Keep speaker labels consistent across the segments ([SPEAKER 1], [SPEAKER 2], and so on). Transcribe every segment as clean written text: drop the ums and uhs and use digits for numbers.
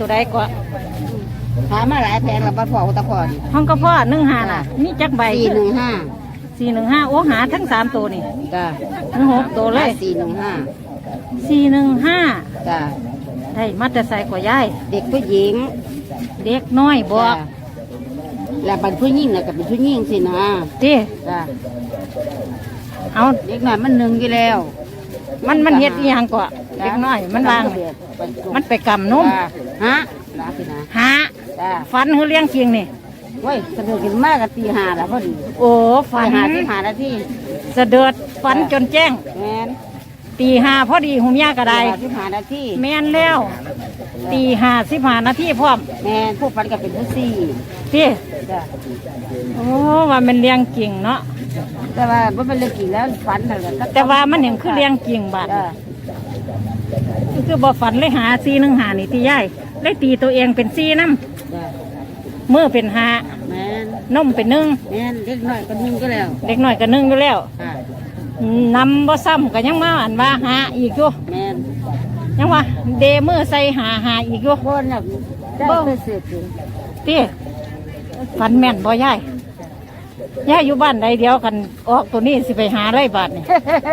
[SPEAKER 1] ตัวใดก็
[SPEAKER 2] หามาหลายแพงแล้วบัดพ่อตะพ่อนี่
[SPEAKER 1] ห้องกระเพาะ15น่ะมีจักใบ
[SPEAKER 2] 415
[SPEAKER 1] 415โอ้หาทั้ง3ตัวนี่
[SPEAKER 2] จ้า
[SPEAKER 1] ทั้ง6ตัวเลย
[SPEAKER 2] 415
[SPEAKER 1] 415
[SPEAKER 2] จ้า
[SPEAKER 1] ได้มาแต่ใส่กว่ายาย
[SPEAKER 2] เด็กผู้หญิง
[SPEAKER 1] เด็กน้อยบอก
[SPEAKER 2] จ้าแล้วบัดผู้หญิงน่ะก็เป็นผู้หญิงสินะ
[SPEAKER 1] ติ
[SPEAKER 2] จ้า
[SPEAKER 1] เอา
[SPEAKER 2] เด็กน้อยมัน1อยู่แล้ว
[SPEAKER 1] มันเฮ็ดอีหยังก็เด็กน้อยมันวางมันไปกำนุ่ม
[SPEAKER 2] จ้าฮะลาสินะ
[SPEAKER 1] หา
[SPEAKER 2] จ้า
[SPEAKER 1] ฟันคือเลี้ยงเคียงนี่
[SPEAKER 2] เว้ยสะดุดขึ้นมาก็ตี5แล้วพอดี
[SPEAKER 1] โอ้ฟัน
[SPEAKER 2] 5นาที
[SPEAKER 1] เสะเดือดฟันจนแจ้ง
[SPEAKER 2] แม่น
[SPEAKER 1] ตี5พอดีหุมยากระได
[SPEAKER 2] 5นาที
[SPEAKER 1] แม่นแล้วตี55นาทีพร้อม
[SPEAKER 2] แม่นผู้ฟันก็เป็นผู้ซี่
[SPEAKER 1] ติ
[SPEAKER 2] จ้า
[SPEAKER 1] โอ้ว่ามันเลี้ยงเก่งเนาะ
[SPEAKER 2] แต่ว่าบ่เป็นเรื่องกี่แล้วฝันเท่านั้น
[SPEAKER 1] แต่ว่ามันเห็นคือเลี้ยงเก่งบาด
[SPEAKER 2] จ้า
[SPEAKER 1] คือบ่ฝันเลยหา415นี่ที่ยายเลยตีตัวเองเป็น4นำ
[SPEAKER 2] จ้า
[SPEAKER 1] มือเป็น5
[SPEAKER 2] แม่น
[SPEAKER 1] นมเป็น1
[SPEAKER 2] แม่นเด็กน้อยก็1ก็แล้ว
[SPEAKER 1] เด็กน้อยก็1อยู่แล้ว
[SPEAKER 2] ค่ะ
[SPEAKER 1] นำบ่ซ้ำก็ยังมาอันว่าหาอีกอยู่
[SPEAKER 2] แม่น
[SPEAKER 1] ยังว่าเดมือใส่หาอีกอยู่
[SPEAKER 2] บ่น่ะได้ไปเสียจริง
[SPEAKER 1] ติฝันแม่นบ่ยายยายอยู่บ้านใดเดียวกันออกตัวนี้สิไปหาไรบาทนี่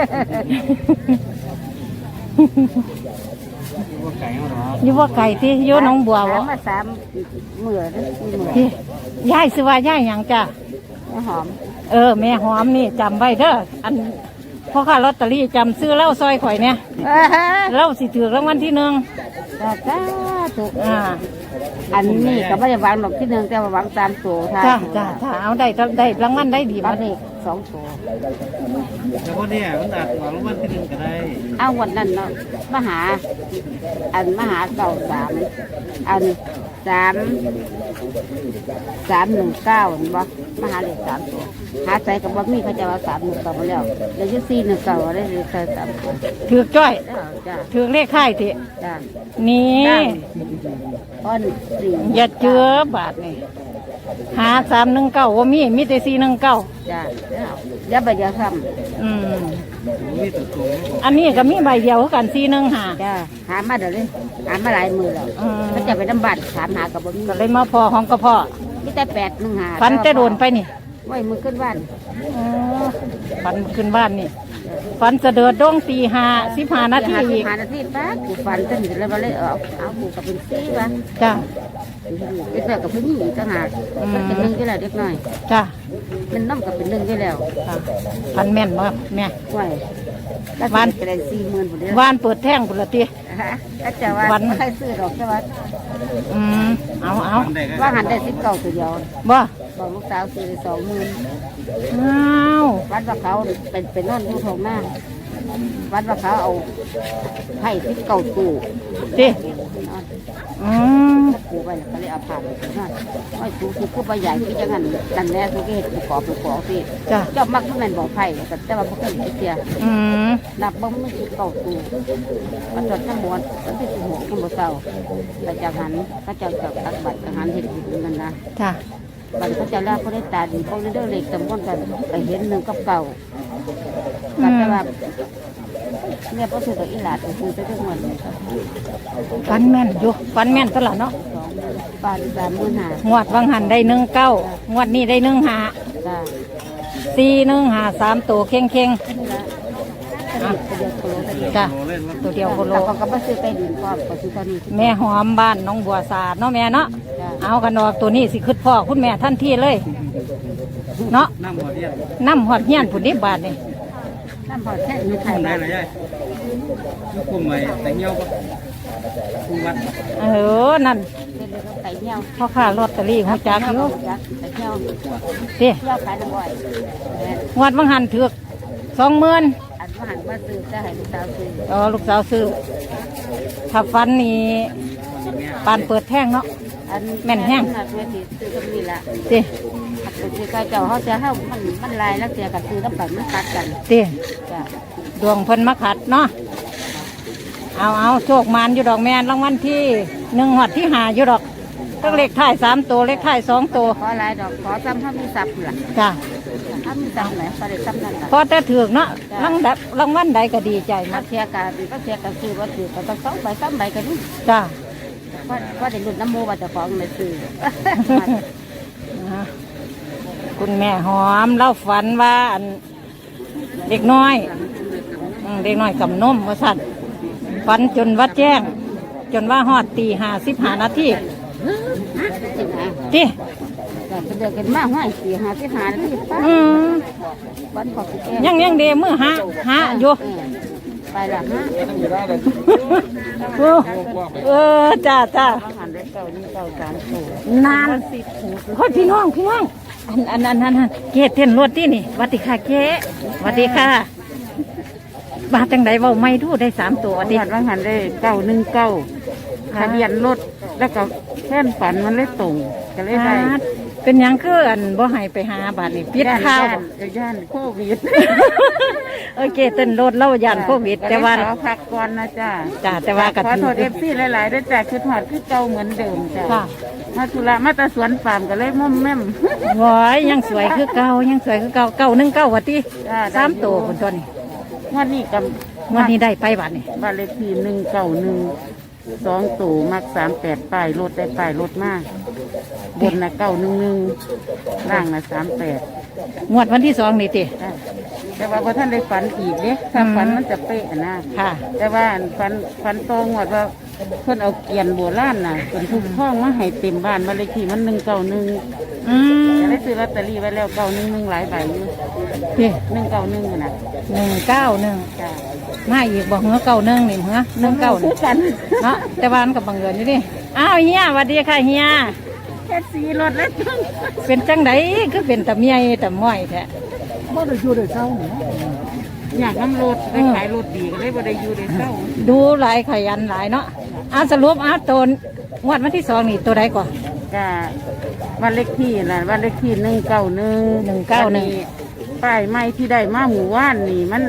[SPEAKER 1] อยู่ว่าไก่ที่อยู่หน้องบัวบ่
[SPEAKER 2] มา3มื้อแล้ว4มื้อ
[SPEAKER 1] ที่ยายสิว่ายายหยังจ้ะ
[SPEAKER 2] หอม
[SPEAKER 1] แม่หอมนี่จำไว้เด้ออันพ่อค้าลอตเตอรี่จำซื้อเหล้าซอยข่อยเนี่ยเหล้าสิถือรางวัลที่1
[SPEAKER 2] จ้าถูก
[SPEAKER 1] อ่า
[SPEAKER 2] อันนี้ก็ไม่ได้วางดอกที่1แต่ว่าหวัง3ตัวค่ะ
[SPEAKER 1] จ้าถ้าเอาได้รางวัลได้ดี
[SPEAKER 2] บั
[SPEAKER 1] มา
[SPEAKER 2] ดนี้2ตัว
[SPEAKER 3] แต่พอเนี่ยมันอาจหวังว่าที่หนึ่งก็ได้
[SPEAKER 2] เอาวันนั้นเนาะมาหาเก่า3อัน319เห็นบ่มาหาเลข3ตัวหาใส่กับบ่มีเขาจะว่า319มาแล้วแล้วอยู่419ได้เลยใส่3ตัว
[SPEAKER 1] ถือจ้อย
[SPEAKER 2] จ้า
[SPEAKER 1] ถือเลขค่ายติ
[SPEAKER 2] จ้า
[SPEAKER 1] นี่
[SPEAKER 2] อ้อน4
[SPEAKER 1] อย่าเจือบาทนี่หา319ว่ามีแต่419
[SPEAKER 2] จ้าอย่าไปอย่าซ้
[SPEAKER 1] อืม
[SPEAKER 3] มีตัวตรง
[SPEAKER 1] อันนี้ก็มีใบเดียวคือกัน415
[SPEAKER 2] ำจ้าหามาเดี๋ยวเลยหามาหลายมือแล้วเขาจะไปน้ำบัตรถามหากับบ่มี
[SPEAKER 1] ก็เลยมาพอของกระเพาะ
[SPEAKER 2] มีแต่815
[SPEAKER 1] ฟันจะโดนไปนี่
[SPEAKER 2] ไว้มือขึ้นบ้าน
[SPEAKER 1] อ๋อฟันขึ้นบ้านนี่ฟันจะเดือดดงตี15นาทีอีก
[SPEAKER 2] 5นาทีแป๊บกูฟันจนเลยมาเลยเอากูกับเป็นซี่วะ
[SPEAKER 1] จ้า
[SPEAKER 2] เด็กน้อยกับผู้หญิงต่างหากมันเป็น1อยู่แล้วเด็กน้อย
[SPEAKER 1] จ้า
[SPEAKER 2] มันน้ำกับเป็น1อยู่แล้ว
[SPEAKER 1] ค่ะฟันแม่นบ่แม่
[SPEAKER 2] ไว้แล้ววันจะได้40,000พุ่นเด้อ
[SPEAKER 1] วานเปิดแท่งพุ่นละติ
[SPEAKER 2] ก็จะว่าไม่ใครซื้อดอกแต่ว่า
[SPEAKER 1] อืมเอา
[SPEAKER 3] มันได้ก็
[SPEAKER 2] ว่าหันได้19ตัวเดียว
[SPEAKER 1] บ่
[SPEAKER 2] บอกลูกสาวซื้อได้20,000
[SPEAKER 1] อ้าว
[SPEAKER 2] วัดว่าเขาเป็นนอนอยู่ทงหน้าวัดว่าเขาเอาไผ่ที่เก่าตู้
[SPEAKER 1] ติ
[SPEAKER 2] นอน
[SPEAKER 1] อืม
[SPEAKER 2] ปูไปก็เลยเอาผ่านไปนอนไอ้สูงคือผู้ใหญ่ที่จะงั้นกันแน่สุกี้ปูขอปูขอสิ
[SPEAKER 1] จ้า
[SPEAKER 2] เจ้ามักมันบอกไผ่แต่ว่าพวกเขาไม่เสีย
[SPEAKER 1] อืม
[SPEAKER 2] นับบ่มันคือเก่าตู้วันจดทั้งหมดวันที่16ทั้งหมดเศร้าแต่จากหันเขาจะตักบัตรทหารเห็นอยู่กันนะ
[SPEAKER 1] จ้า
[SPEAKER 2] บัตรเขาจะแล้วเขาได้ตาดีเขาได้เด้อเล็กตำบลกันไปเห็น1กับเก่าก็แต่ว่าเนี่ยพอถูกกับอีหลาดคือไปทุกวัน
[SPEAKER 1] ฟันแม่นอยู่ฟันแม่นตลอดเนาะ
[SPEAKER 2] บาท35,000
[SPEAKER 1] งวดวังหันได้19งวดนี้ได้15
[SPEAKER 2] จ้า
[SPEAKER 1] 415 3ตัวเข่ง จ้ะ
[SPEAKER 3] โลเล่นว่า
[SPEAKER 1] ตัวเดียวโคโล
[SPEAKER 2] แต่เขาก็มาซื้อใต้ดินก็ซื้อตอนนี้
[SPEAKER 1] แม่หอมบ้านน้องบัวสาดเนาะแม่เนาะ
[SPEAKER 2] จ้า
[SPEAKER 1] เอากันออกตัวนี้สิขึ้นพ่อคุณแม่ท่านที่เลย เนาะ
[SPEAKER 3] น้ำหมดเนี่ย
[SPEAKER 1] น้ำหอดเฮียนผุนนิบาทนี่
[SPEAKER 2] น้ำพอแค่มีไข่
[SPEAKER 3] ได้
[SPEAKER 2] ได้
[SPEAKER 3] เลยยัยลูกกลุ่มใหม่แต่เงี้ยวปะคุวัด
[SPEAKER 1] นั่น
[SPEAKER 2] เป็นเลยไก่เงี้ยว
[SPEAKER 1] พ่อค้าลอตเตอรี่หัวจักอยู่
[SPEAKER 2] ไก่เงี้ยว
[SPEAKER 1] เด้
[SPEAKER 2] เงี้ยวขายน้ำบ่อย
[SPEAKER 1] งวดวังหันถือก20,000
[SPEAKER 2] อันว่าหันมาซื้อจะให้ลูกสาวซื้อ
[SPEAKER 1] ลูกสาวซื้อถ้าฟันนี่ปานเปิดแท่งเนาะ
[SPEAKER 2] อัน
[SPEAKER 1] แม่นแห้ง
[SPEAKER 2] นักเวทีซื้อก็มีละ
[SPEAKER 1] เด้
[SPEAKER 2] ขัดไปซื้อก็เจ้าเขาจะให้มันลายแล้วเสียกันซื้อน้ำปั่นมันตัดกัน
[SPEAKER 1] เด้
[SPEAKER 2] จ้า
[SPEAKER 1] ดวงเพิ่นมาขัดเนาะเอาโชคมานอยู่ดอกแม่นรางวัลที่1หอดที่5อยู่ดอกตั้งเลขท้าย3ตัวเลขท้าย2ตัว
[SPEAKER 2] ขอลายดอกขอซ้ำถ้ามีสับล่ะ
[SPEAKER 1] จ้ะ
[SPEAKER 2] ถ้ามีซ้ำไหนพอได้ซ้ำนั่นล่ะ
[SPEAKER 1] พอแต่ถือกเนาะรางวัลใดก็ดีใจ
[SPEAKER 2] มา
[SPEAKER 1] มา
[SPEAKER 2] เทียกันก็เทียกันซื้อว่าถือก็ต้อง2 ใบ 3 ใบกันนี่
[SPEAKER 1] จ้ะ
[SPEAKER 2] ว่าได้รุ่นน้ำโมว่าจะฟ้องเลยซื้อ
[SPEAKER 1] นะคุณแม่หอมเล่าฝันว่าอันเด็กน้อยเด็กน้อยกับนมว่าสั่นฝันจนว่าแจ้ง จนว่าฮอดตี55 นาที
[SPEAKER 2] จริงนะ
[SPEAKER 1] ที่
[SPEAKER 2] แต่เป็นเดือนกันมากห้อย4-5นาทีป้า บ้านของแก
[SPEAKER 1] ยังเดมือหาอยู่
[SPEAKER 2] ไปละฮะ
[SPEAKER 1] จ้า
[SPEAKER 2] อาหารได้เก่านี่เก่า3 ตัวน
[SPEAKER 1] านค่อยพี่น้องอันเกศเต้นรถที่นี่หวัดดีค่ะเก๊หวัดดีค่ะบาจังไดเว้าไม่ดูได้3 ตัวหวัดดี
[SPEAKER 2] อาหารได้919ทะเบียนรถแล้วก็แค่นฝันมันเลยตรงก็เลยได้
[SPEAKER 1] เป็นหยังคืออันบ่ให้ไปหาบาดนี่ปิดข้าว
[SPEAKER 2] ย่านโควิด
[SPEAKER 1] โอเคเต้นรถเล่าย่านโควิดแต่ว่า
[SPEAKER 2] ขอพักก่อนนะจ้า
[SPEAKER 1] แต่ว่าก็
[SPEAKER 2] ขอโทษFCหลายๆด้วยจ้าคือถอดคือเก่าเหมือนเดิมจ้า
[SPEAKER 1] ค่ะ
[SPEAKER 2] มาธุระมาตะสวนปามก็เลยม่อมแม่ม
[SPEAKER 1] ว้ายยังสวยคือเก่า919วัดดี
[SPEAKER 2] จ้า
[SPEAKER 1] 3 ตัวคนตัวนี้
[SPEAKER 2] งวดนี้กับ
[SPEAKER 1] งวดนี้ได้ไปบาดนี่
[SPEAKER 2] บ้านเลขที่191 2 ตู่มัก38ป้ายรถได้ป้ายรถมากบนนะ911ล่างนะ38
[SPEAKER 1] งวดวันที่2นี่ติ
[SPEAKER 2] แต่ว่าพอท่านได้ฝันอีกเนี่ยถ้าฝันมันจะเป๊ะนะ
[SPEAKER 1] ค่ะ
[SPEAKER 2] แต่ว่าฝันโตงวดว่าเพิ่นเอาเกียนโบราณน่ะเป็นทุกห้องมาให้เต็มบ้านบ้านเลขที่มัน191
[SPEAKER 1] อืม
[SPEAKER 2] ได้ซื้อลอตเตอรี่ไว้แล้ว911หลายใบอยู่
[SPEAKER 1] พี่
[SPEAKER 2] 191นะ
[SPEAKER 1] 191
[SPEAKER 2] จ้า
[SPEAKER 1] มาอีกบอกเหือ91นี่เหือ19
[SPEAKER 2] คือกัน
[SPEAKER 1] เนาะแต่ว่ามันก็บังเอิญอยู่ดิอ้าวเฮียสวัสดีค่ะเฮีย
[SPEAKER 2] แค่สีรถแล้วจัง
[SPEAKER 1] เป็นจังไดคือเป็นตะเมียตะม้อยแท้
[SPEAKER 3] บ่ได้อยู่ได้เช้าเนี่ย
[SPEAKER 2] อยากน้ำรถได้ขายรถดีก็เลยบ่ได้อยู่ได้เศร้า
[SPEAKER 1] ดูหลายขยันหลายเนาะสรุปตัวงวดวันที่2นี่ตัวใดก่อน
[SPEAKER 2] จ้าวันเลขที่น่ะวันเลขที่191ป้ายไม้ที่ได้มาหมู่ว่านนี่มัน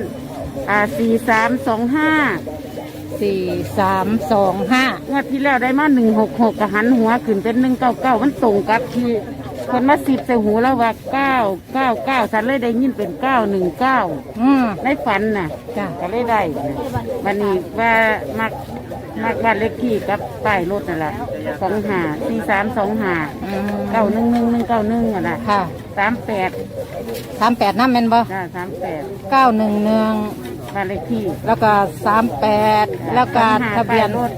[SPEAKER 2] 4325
[SPEAKER 1] 4325
[SPEAKER 2] งวดที่แล้วได้มา166กระหันหัวขึ้นเป็น199มันตรงกับที่คนมา10ใส่หูแล้วว่า999ฉันเลยได้ยินเป็น919ในฝันน่ะ
[SPEAKER 1] จ้ะ
[SPEAKER 2] ก็เลยได้วันนี้ว่ามักบ้านเลขที่กับป้ายรถนั่นแหละ4325 911191อ่ะนะ
[SPEAKER 1] ค่ะ
[SPEAKER 2] 38
[SPEAKER 1] 38น้ำแม่นบ่
[SPEAKER 2] จ้า38
[SPEAKER 1] 911
[SPEAKER 2] บ้านเลขที่
[SPEAKER 1] แล้วก็38แล้วก็ทะเบียน
[SPEAKER 2] รถ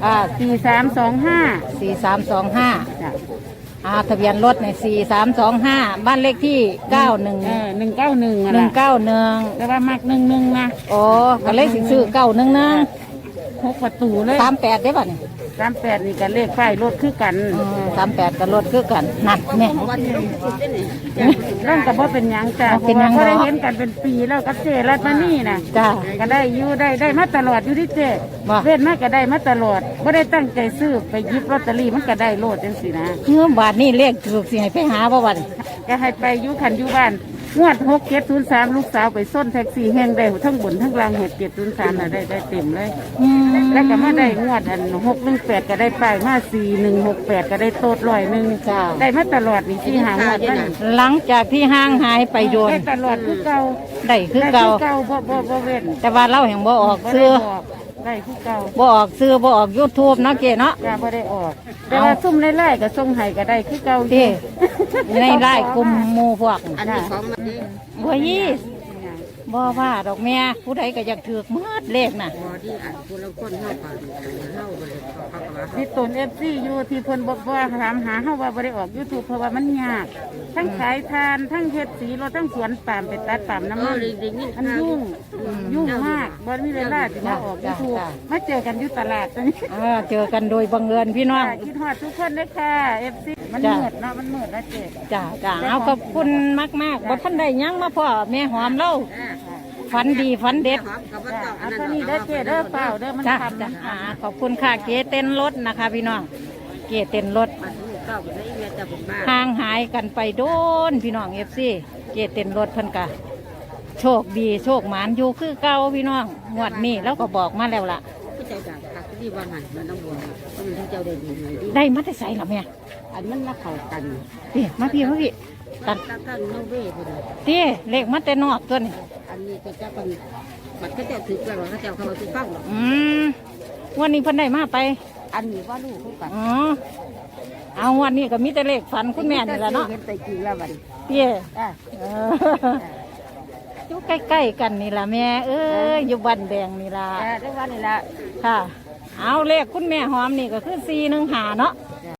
[SPEAKER 1] 4325
[SPEAKER 2] 4325จ้ะ
[SPEAKER 1] ทะเบียนรถเนี่ย4325บ้านเลขที่91
[SPEAKER 2] 191อ่ะนะ
[SPEAKER 1] 191
[SPEAKER 2] แต่ว่ามัก11นะ
[SPEAKER 1] โอ้ก็เลขสิซื้อ911
[SPEAKER 2] 6 ประตูเลย
[SPEAKER 1] 38ได้ป่ะนี่
[SPEAKER 2] 38นี่กันเลขป้ายรถคือกัน
[SPEAKER 1] 38กับรถคือกันนั่นแม่
[SPEAKER 2] ร่างกับว่าเป็นหยังจ้ะเพ
[SPEAKER 1] เป็น
[SPEAKER 2] ราะ
[SPEAKER 1] หยั
[SPEAKER 2] ว่าง ก็ได้
[SPEAKER 1] เนาะ
[SPEAKER 2] เห็นกันเป็นปีแล้วกับเจรัตมานี่นะ
[SPEAKER 1] จ้า
[SPEAKER 2] ก็ได้อยู่ได้มาตลอดอยู่ที่เจ
[SPEAKER 1] บ่
[SPEAKER 2] เว้นมาก็ได้มาตลอดไม่ได้ตั้งใจซื้อไปหยิบลอตเตอรี่มันก็ได้โลดจังสินะ
[SPEAKER 1] เมื่อบาทนี่เลขถูกสิให้ไปหาบ่วัน
[SPEAKER 2] ก็ให้ไปอยู่ขันอยู่บ้านงวด6703ลูกสาวไปส้นแท็กซี่แห้งได้ทั้งบนทั้งล่าง6703น่ะได้เต็มเลย แล้วก็มาได้งวดอัน618ก็ได้ป้ายมา4168ก็ได้โตด100
[SPEAKER 1] จ้า
[SPEAKER 2] ได้มาตลอดนี่ที่หางวดนั่น
[SPEAKER 1] หลังจากที่ห้างหายไปโดน
[SPEAKER 2] ได้ตลอดคือเก่า
[SPEAKER 1] ได้คือ
[SPEAKER 2] ได้
[SPEAKER 1] เก่า
[SPEAKER 2] คือเก่าบ่เว้น
[SPEAKER 1] แต่ว่าเราแห่งบ่ออก
[SPEAKER 2] บ่
[SPEAKER 1] ซื้อ
[SPEAKER 2] ได้บอกได้คือเก่า
[SPEAKER 1] บ่ออกซื้อบ่ออก YouTube เนาะเก๋เนาะ
[SPEAKER 2] จ้าบ่ได้ออก แต่ว่าซุ่มไล่ๆก็ส่งให้ก็ได้คือเก่าอยู่
[SPEAKER 1] ที่ในไร่กลุ่มหมู่พวก
[SPEAKER 2] อันนี้ของมันนี่
[SPEAKER 1] บ่ยี่บ่ว่าดอกแม่ผู้ใดก็อยากถือกมืดเลขน่ะ
[SPEAKER 2] บ่ที่อันผู้ละคนเฮาก็เฮาบ่ได้เขาก็ว่าที่ตน FC อยู่ที่เพิ่นบอกว่าถามหาเฮาว่าบ่ได้ออก YouTube เพราะว่ามันยากทั้งขายทานทั้งเฮ็ดสีรถทั้งสวนปาล์มไปตัดปาล์มน้ำมันมันยุ่งมากบ่มีเวลาที่มาออก YouTube มาเจอกันอยู่ตลาดตรงนี้
[SPEAKER 1] เจอกันโดยบังเอิญพี่น้อง
[SPEAKER 2] คิดฮอดทุกคนเลยค่ะ FC มันมืดเนาะมันมืดนะเจ๊
[SPEAKER 1] จ้าเอาขอบคุณมากๆบ่ทันได้หยังมาพ่อแม่หอมเล่าฝันดีฝันเด็ด
[SPEAKER 2] เอาเท่านี้เด้อเจ๊เด้อเปล่าเด้อมัน
[SPEAKER 1] จ้า
[SPEAKER 2] ทำ
[SPEAKER 1] จ้าขอบคุณค่ะเก๋เต้นรถนะคะ พี่น้องเก๋เต้นรถห่างหายกันไปโดนพี่น้องFC เก๋เต้นรถเพิ่นกะโชคดีโชคหมานอยู่คือเก่าพี่น้องงวดนี้แล้วก็บอกมาแล้วล่ะ
[SPEAKER 2] ผู้ใจจากคักที่ว่าหันมันต้องบวมมันที่เจ้าได้ดีหน่อยดิ
[SPEAKER 1] ได้มาแต่ใส่หรอแม่
[SPEAKER 2] อันมันมาเข้ากัน
[SPEAKER 1] พี่มาพี่ตัน
[SPEAKER 2] ตั้งโนเว่พอดี
[SPEAKER 1] พี่เลขมาแต่นอกตัวนี้
[SPEAKER 2] อันนี้ก็จะเป็นบัดเขาเจ้าถือกันว่าเขาเจ้าเขาถือฟังหรอก
[SPEAKER 1] วันนี้เพิ่นได้มาไป
[SPEAKER 2] อันนี้ว่าลูกคือกัน
[SPEAKER 1] อ๋อเอาวันนี้ก็มีแต่เลขฝันคุณแม่นี่แหละเนาะ
[SPEAKER 2] เห็นแต่จริงแล้วบัดนี้
[SPEAKER 1] เตี้ย
[SPEAKER 2] จ้ะ
[SPEAKER 1] เอออยู่ใกล้ๆกันนี่ล่ะแม่เอ้ยอยู่บ้านแดงนี่ล่ะ
[SPEAKER 2] ได้ว่านี่ละ
[SPEAKER 1] ค่ะ เอาเลขคุณแม่หอมนี่ก็คือ415เนาะ